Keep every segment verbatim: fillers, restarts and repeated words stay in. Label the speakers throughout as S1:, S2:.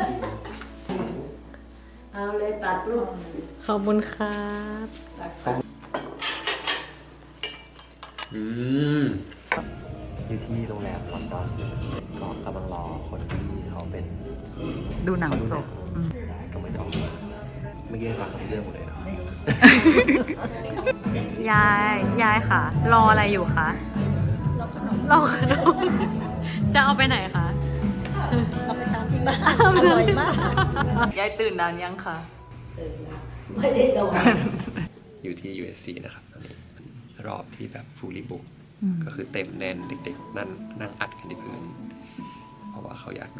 S1: เอาเลยตัดลูก
S2: ขอบคุณครับ
S3: อืมอยู่ที่โรงแรมลอนดอนก็กำลังรอคนที่เขาเป็น
S4: ดูหนังจบ
S3: ก็ไม่จะออกมาเมื่อกี้ฟังเรื่องหมดเลยนะ
S2: ยายยายค่ะ รออะไรอยู่คะรอขนมรอขนมจะเอาไปไหนคะ
S1: เอาไปทำที่บ้านอร่อยมาก
S4: ยายตื่นนานยังคะ
S1: ตื่นแล้วไม่ได้นอน
S3: อยู่ที่ ยู เอส ซี นะครับตอนนี้รอบที่แบบ fully book ก็คือเต็มแน่นเด็กๆนั่นนั่งอัดกันที่พื้นเพราะว่าเขาอยากดู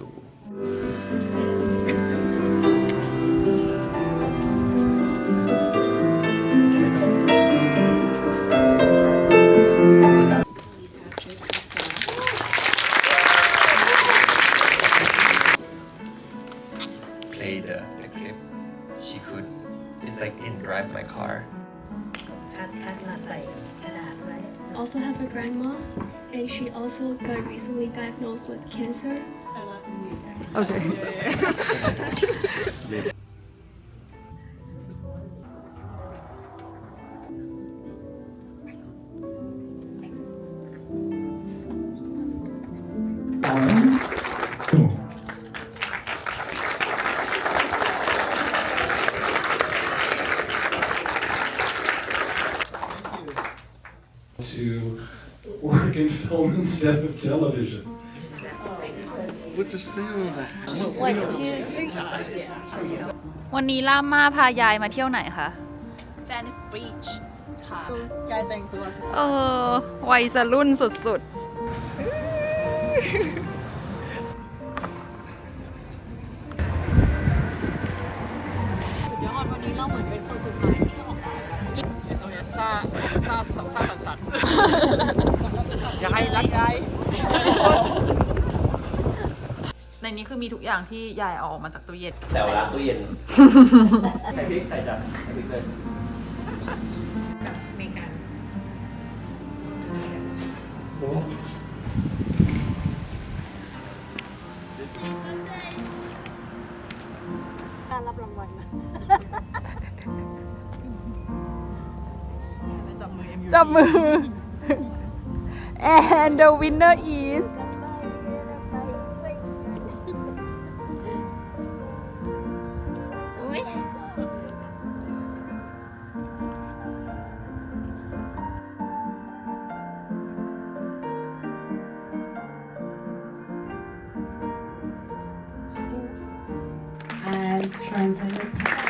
S3: play the the clip she could it's like in drive my car
S1: คัดคัดมาใส่กระดาษไว้
S5: also have a grandma and she also got recently diagnosed with cancer.
S4: Okay.
S6: To work in film instead of television.
S7: What the sound?
S1: One, two, three.
S4: วันนี้ล่ามมาพายายมาเที่ยวไหนคะ
S8: Venice Beach ค่ะยายแต่งตัวสิ
S4: เออวัยรุ่นสุดๆ
S8: เดี๋ยวก่อนวันนี้เราเหมือนเป็นคนสุดท้ายที่ออกมาเอสโอเอสซ่าซ่าซ่าสันสันอยากให้รักยาย
S4: ในนี้คือมีทุกอย่างที่ยายเอาออกมาจากตู้เย็น
S3: แต่ว่าตู้เย็นใส่พริกใส่จัดใส่พริกเลย
S2: เมกัน
S1: การรับรางวัลนะ
S8: จับมือ เอ็ม ยู
S4: จับมือ and the winner is
S1: and translated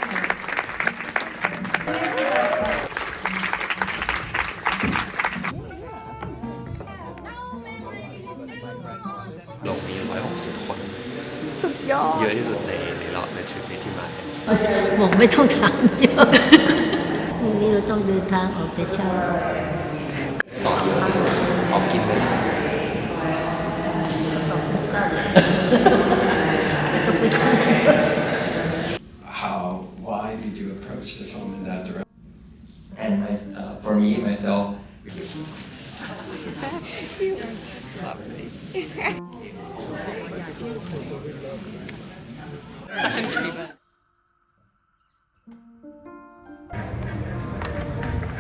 S3: ลงมีหนึ่งร้อยหกสิบคน
S4: สุดยอด
S3: เยอะที่สุดในในรอบในทริปนี้ที่มา
S1: บอกไม่ต้องถามเยอะพรุ่งนี้เราต้องเดินทางออกแต่เช้า
S3: ต่อออกกินเลย
S7: How? Why did you approach the film in that direction?
S3: and my uh, for me myself
S4: country